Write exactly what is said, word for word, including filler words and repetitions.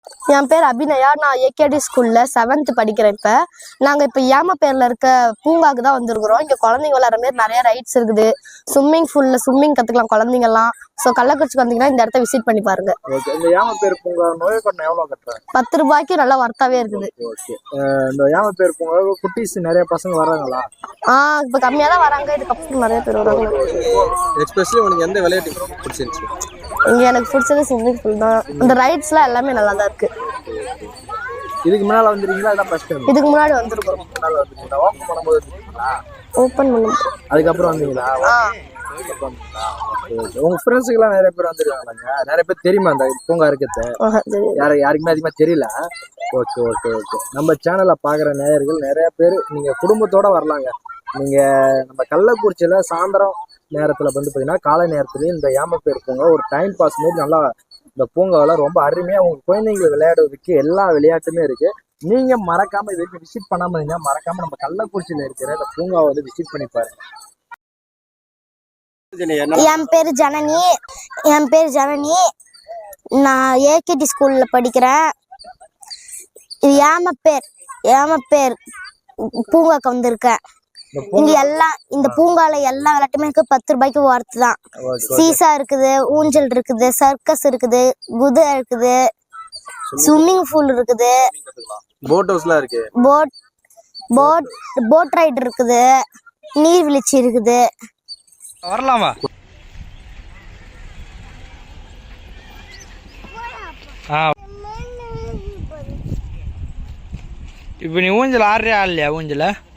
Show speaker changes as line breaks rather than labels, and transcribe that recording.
என் பேர் அபிநயா. நான் ஏகேடி ஸ்கூல்ல செவன்த் படிக்கிறேன். இப்போ நாங்கள் இப்போ ஏமப்பேரில் இருக்க பூங்காவுக்கு தான் வந்திருக்கிறோம். இங்கே குழந்தைங்க விளையாடுற மாதிரி நிறைய ரைட்ஸ் இருக்குது. ஸ்விம்மிங் பூல்ல ஸ்விம்மிங் கற்றுக்கலாம் குழந்தைங்கலாம். ஸோ கள்ளக்குறிச்சிக்கு வந்தீங்கன்னா இந்த இடத்த விசிட் பண்ணி பாருங்க.
இந்த ஏமப்பேர் பூங்கா நோய் கட்டணம் எவ்வளோ கட்டுறாங்க?
பத்து ரூபாய்க்கு நல்லா வர்த்தாவே இருக்குது.
ஓகே, இந்த ஏமப்பேர் பூங்கா குட்டீஸ் நிறைய பசங்க வர்றாங்களா?
ஆ இப்போ கம்மியாக தான் வராங்க. இதுக்கப்புறம் நிறைய பேர் வராங்க.
எஸ்பெஷலி உங்களுக்கு எந்த விளையாட்டு பிடிச்சிருந்துச்சு?
இங்கே எனக்கு பிடிச்சது ஸ்விம்மிங் பூல் தான். இந்த ரைட்ஸ்லாம் எல்லாமே நல்லா தான் இருக்கு.
இதுக்கு முன்னால வந்துருக்கீங்களா? அதான் ஃபர்ஸ்ட் டைம்.
இதுக்கு முன்னாடி வந்திருக்கோம்.
முன்னால வந்துருக்கீங்களா? ஓப்பன் பண்ணும்போது வந்துருக்கீங்களா?
ஓப்பன் பண்ணி
அதுக்கப்புறம் வந்தீங்களா?
ஆ
உங்க ஃப்ரெண்ட்ஸுக்கெல்லாம் நிறைய பேர் வந்துருக்காங்க. நிறைய பேர் தெரியுமா அந்த பூங்கா இருக்கிறது? யாரு யாருக்குமே அதிகமாக தெரியல. ஓகே ஓகே ஓகே நம்ம சேனலை பார்க்குற நேயர்கள் நிறைய பேர் நீங்கள் குடும்பத்தோட வரலாங்க. நீங்கள் நம்ம கள்ளக்குறிச்சியில் சாயந்தரம் நேரத்தில் வந்து பார்த்தீங்கன்னா காலை நேரத்துலேயும் இந்த ஏமப்பேர் பூங்கா ஒரு டைம் பாஸ் மாரி நல்லா இந்த பூங்காவில் ரொம்ப அருமையாக உங்கள் குழந்தைங்களை விளையாடுறதுக்கு எல்லா விளையாட்டுமே இருக்குது. நீங்கள் மறக்காமல் இது வரைக்கும் விசிட் பண்ணாமல் இருந்தீங்கன்னா மறக்காமல் நம்ம கள்ளக்குறிச்சியில் இருக்கிற இந்த பூங்காவை வந்து விசிட் பண்ணி பாருங்க.
என் பேர் ஜனனி. என் பேர் ஜனனி. நான் ஏகேடி ஸ்கூல்ல படிக்கிறேன். இது ஏமப்பேர் ஏமப்பேர் பூங்காக்கு வந்திருக்கேன். இங்க எல்லாம் இந்த பூங்கால எல்லா விளையாட்டுமே இருக்கு. பத்து ரூபாய்க்கு ஒர்த்து தான். சீசா இருக்குது, ஊஞ்சல் இருக்குது, சர்க்கஸ் இருக்குது, குதிரை இருக்குது, ஸ்விம்மிங் பூல் இருக்குது,
போட் ஹவுஸ்லாம் இருக்கு,
போட் போட் போட் ரைடு இருக்குது, நீர்வீழ்ச்சி இருக்குது.
வரலாமா? இப்போ நீ ஊஞ்சல் ஆடுறியா இல்லையா? ஊஞ்சல